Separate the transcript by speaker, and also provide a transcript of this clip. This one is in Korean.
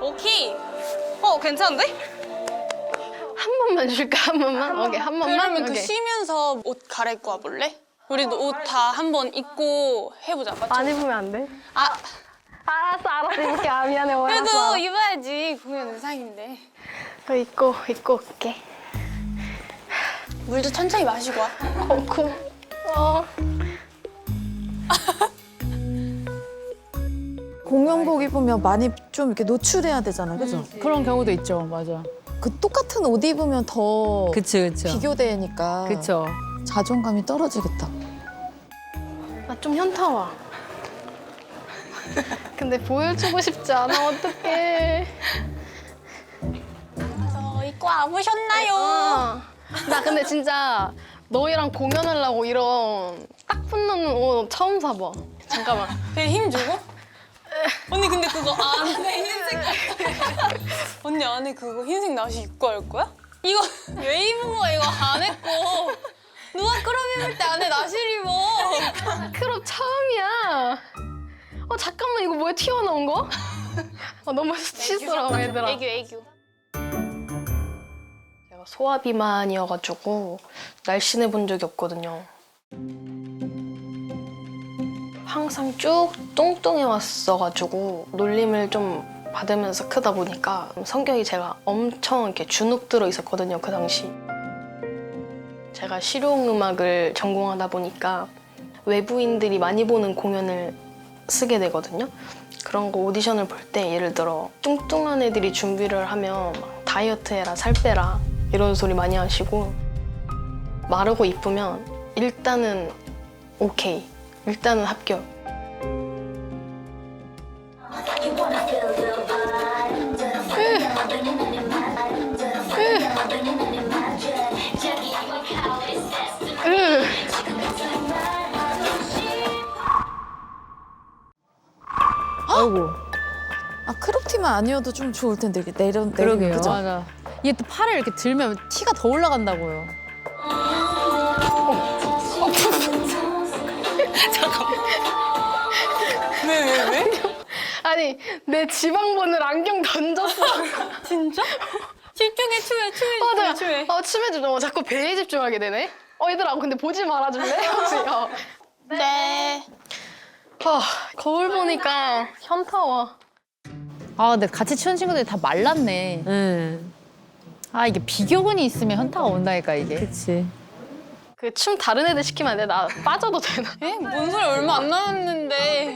Speaker 1: 오케이. 괜찮은데?
Speaker 2: 한 번만 줄까? 한 번만? 오케이, 한 번만?
Speaker 1: 그러면 그
Speaker 2: 오케이.
Speaker 1: 쉬면서 옷 갈아입고 와볼래? 우리도 옷 다 한 번 입고 해보자. 맞죠?
Speaker 2: 안 입으면 안 돼?
Speaker 1: 아,
Speaker 2: 알았어. 입을게. 미안해.
Speaker 1: 그래도 입어야지. 공연 의상인데.
Speaker 2: 입고 올게.
Speaker 1: 물도 천천히 마시고 와.
Speaker 3: 공연복 입으면 많이 좀 이렇게 노출해야 되잖아, 그죠?
Speaker 4: 그런 경우도 있죠, 맞아.
Speaker 3: 그 똑같은 옷 입으면 더
Speaker 4: 그쵸.
Speaker 3: 비교되니까
Speaker 4: 그쵸.
Speaker 3: 자존감이 떨어지겠다.
Speaker 2: 나 좀 현타 와. 근데 보여주고 싶지 않아. 어떡해.
Speaker 1: 입고 와보셨나요?
Speaker 2: 나 근데 진짜 너희랑 공연하려고 이런 딱 붙는 옷 처음 사봐. 잠깐만.
Speaker 1: 되게 힘주고? 언니 근데 그거 안에 흰색 언니 안에 그거 흰색 나시 입고 할 거야? 이거 왜 입은 거야? 이거 안 했고 누가 크롭 입을 때 안에 나시를 입어?
Speaker 2: 크롭 처음이야. 잠깐만 이거 뭐야 튀어나온 거? 너무 수치스러워 얘들아.
Speaker 1: 애교.
Speaker 2: 제가 소화비만이어가지고 날씬해 본 적이 없거든요. 항상 쭉 뚱뚱해 왔어가지고 놀림을 좀 받으면서 크다 보니까 성격이 제가 엄청 이렇게 주눅 들어 있었거든요, 그 당시. 제가 실용음악을 전공하다 보니까 외부인들이 많이 보는 공연을 쓰게 되거든요. 그런 거 오디션을 볼 때 예를 들어 뚱뚱한 애들이 준비를 하면 막 다이어트 해라, 살 빼라 이런 소리 많이 하시고 마르고 이쁘면 일단은 오케이, 일단은 합격.
Speaker 4: 아이고.
Speaker 3: 아, 크롭티만 아니어도 좀 좋을 텐데 이렇게 내리면
Speaker 4: 그러게요.
Speaker 3: 그죠?
Speaker 4: 맞아. 이게 또 팔을 이렇게 들면 티가 더 올라간다고요.
Speaker 1: 왜?
Speaker 2: 아니 내 지방본을 안경 던졌어.
Speaker 1: 진짜? 집중해 춤에.
Speaker 2: 춤에 좀 자꾸 배에 집중하게 되네. 얘들아 근데 보지 말아줄래? 혹시?
Speaker 1: 네.
Speaker 2: 거울 보니까 현타 와.
Speaker 4: 아, 근데 같이 추는 친구들이 다 말랐네. 아, 이게 비교군이 있으면 현타가 온다니까, 이게. 그치.
Speaker 2: 그 춤 다른 애들 시키면 안 돼? 나 빠져도 되나?
Speaker 1: 뭔 소리 얼마 안 남았는데